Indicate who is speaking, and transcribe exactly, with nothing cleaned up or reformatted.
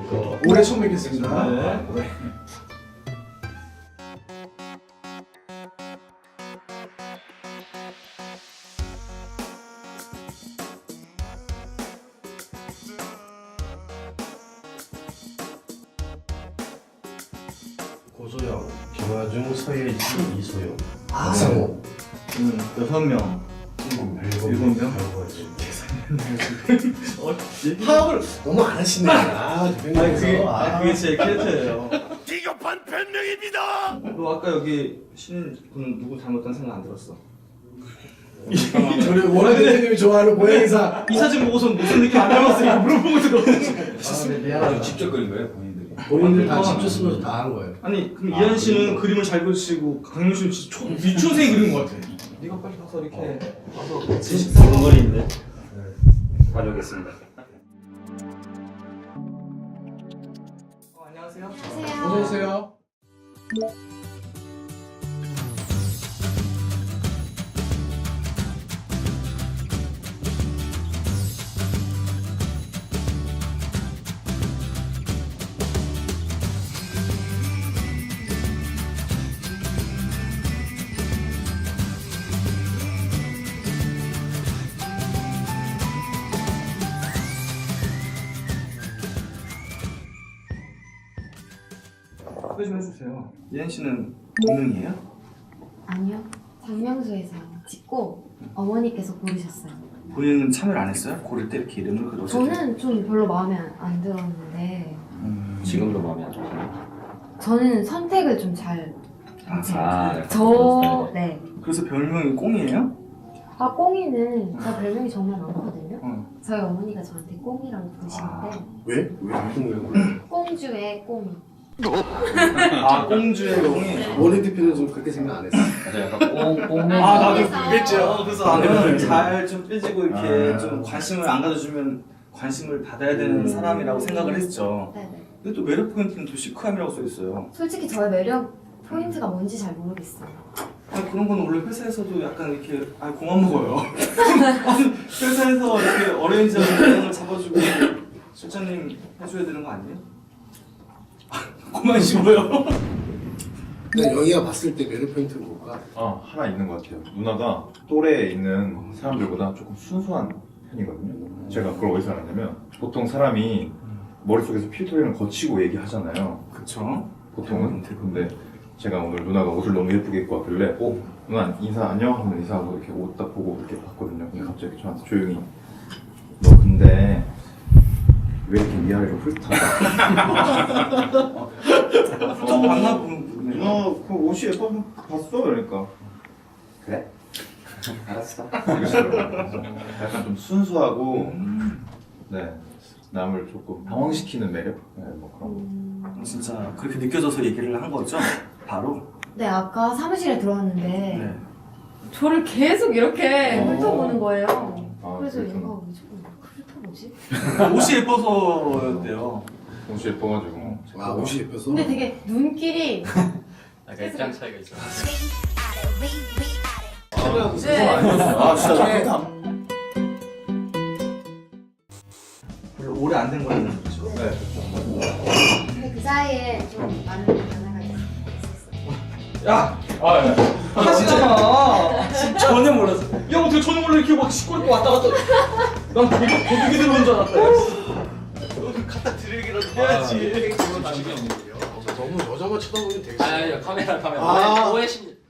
Speaker 1: 안녕하십니까. 올해 처음 뵙겠습니다.
Speaker 2: 네.
Speaker 1: 올해.
Speaker 3: 고소영, 김화중, 서예진, 이소영,
Speaker 1: 아,
Speaker 3: 박상호.
Speaker 2: 음, 여섯 명.
Speaker 3: 일곱
Speaker 2: 일곱 명? 어, 얘기-
Speaker 1: 파악을 너무 안 하시네. 아,
Speaker 2: 아니
Speaker 1: 대표님께서.
Speaker 2: 그게,
Speaker 1: 아,
Speaker 2: 아니, 그게 제 캐릭터예요.
Speaker 4: 비겁한 변명입니다.
Speaker 2: 너 아까 여기 신분 누구 닮았다는 생각 안 들었어?
Speaker 1: 저를 원하 대표님이 좋아하는 고양이사.
Speaker 2: 이 사진 보고서 무슨 느낌 안 닮았으니까 물어보고 들었어.
Speaker 1: 아, 네, 미안하다.
Speaker 5: 직접 그린 거예요, 본인들이?
Speaker 1: 본인들 다
Speaker 2: 아,
Speaker 1: 직접 쓰면서 다 한 거예요.
Speaker 2: 아니 그럼
Speaker 5: 아,
Speaker 2: 이한 씨는
Speaker 5: 그리고-
Speaker 2: 그림을 잘 그리시고 강민 씨는 진짜 초, 유치원생이 그린 것 같아. 네가 빨리 가서 이렇게 가서 같이
Speaker 5: 근거리인데 가져오겠습니다.
Speaker 2: 어, 안녕하세요.
Speaker 1: 어서 오세요.
Speaker 2: 소개 좀 해주세요. 이한 씨는 본명이에요?
Speaker 6: 아니요. 장명수에서 찍고 어머니께서 고르셨어요.
Speaker 2: 본인은 참여를 안 했어요? 고를 때 이렇게 이름을 그려서
Speaker 6: 저는 좀 별로 마음에 안- 안 들었는데
Speaker 2: 음,
Speaker 5: 지금도 마음에 안 드세요?
Speaker 6: 저는 선택을 좀 잘
Speaker 2: 아,
Speaker 5: 아, 약간
Speaker 6: 저...
Speaker 5: 그런
Speaker 6: 네.
Speaker 2: 그래서 별명이 꽁이에요?
Speaker 6: 아 꽁이는 제 별명이 정말 많거든요.
Speaker 2: 응.
Speaker 6: 저희 어머니가 저한테 꽁이라고 부르시는데
Speaker 1: 왜? 왜? 무슨 왜 그래?
Speaker 6: 꽁주의 꽁이.
Speaker 2: 아 꽁주의 꽁이.
Speaker 1: 원희 대표는 좀 그렇게 생각 안 했어.
Speaker 5: 맞아, 약간 꽁, 꽁맨.
Speaker 2: 아 나도
Speaker 6: 그래서-
Speaker 2: 그랬죠. 어, 그래서
Speaker 1: 아,
Speaker 2: 나는
Speaker 1: 네.
Speaker 2: 잘좀 삐지고 이렇게
Speaker 5: 아.
Speaker 2: 좀 관심을 안 가져주면 관심을 받아야 되는
Speaker 6: 음.
Speaker 2: 사람이라고 생각을 했죠.
Speaker 6: 네네.
Speaker 2: 근데 또 매력 포인트는 또 시크함이라고 써 있어요.
Speaker 6: 솔직히 저의 매력 포인트가 뭔지 잘 모르겠어요.
Speaker 2: 아니 그런 건 원래 회사에서도 약간 이렇게 아 고만 먹어요. 아니, 회사에서 이렇게 어레인지하고 방향을 잡아주고 실장님 해줘야 되는 거 아니에요? 고만 씹어요.
Speaker 1: 근데 영희가 봤을 때 매력 포인트는 뭘까?
Speaker 7: 아 하나 있는 것 같아요. 누나가 또래에 있는 사람들보다 조금 순수한 편이거든요. 제가 그걸 어디서 알았냐면 보통 사람이 머릿속에서 필터링을 거치고 얘기하잖아요.
Speaker 2: 그쵸?
Speaker 7: 보통은. 근데 제가 오늘 누나가 옷을 너무 예쁘게 입고 왔길래 어? 누나 인사 안녕? 하면 인사하고 이렇게 옷 딱 보고 이렇게 봤거든요. 근데 갑자기 저한테 조용히 너 근데 왜 이렇게 위아래로 훑어?
Speaker 2: 좀 만나 보는
Speaker 7: 누나 그 옷이 예뻐서 봤어? 그러니까
Speaker 5: 그래? 알았어.
Speaker 7: 이러시더라고요. 약간 좀 순수하고
Speaker 2: 음.
Speaker 7: 네 남을 조금 당황시키는 매력? 네, 뭐 그런 거.
Speaker 6: 음...
Speaker 2: 진짜 그렇게 느껴져서 얘기를 한 거죠? 바로?
Speaker 6: 네 아까 사무실에 들어왔는데
Speaker 2: 네.
Speaker 6: 저를 계속 이렇게
Speaker 7: 어.
Speaker 6: 훑어보는 거예요.
Speaker 7: 아,
Speaker 6: 그래서
Speaker 7: 그렇구나.
Speaker 6: 얘가 왜 자꾸 훑어보지?
Speaker 2: 옷이 예뻐서였대요.
Speaker 7: 옷이 예뻐가지고
Speaker 1: 아, 옷이 예뻐서.
Speaker 6: 근데 되게 눈길이
Speaker 5: 약간 입장 차이가 있어.
Speaker 6: 네.
Speaker 2: 아 진짜 나
Speaker 1: 네.
Speaker 2: 그렇게 안... 별로 오래 안 된 거는 그렇죠?
Speaker 7: 네 그렇죠.
Speaker 6: 근데 그 사이에 좀 많은 변화가 있었어요.
Speaker 2: 야!
Speaker 7: 아 예.
Speaker 2: 하시잖아! 진짜 전혀 몰랐어. 야 어떻게 전혀 몰라 이렇게 막 씻고 입고 왔다 갔다 난 되게 도둑이 들어온 줄 알았다. 너 갖다 드리기라도 해야지.
Speaker 1: 너무 여자만 쳐다보면 되게.
Speaker 5: 아, 아니, 카메라, 카메라.
Speaker 1: 아.
Speaker 5: 오해, 오해심.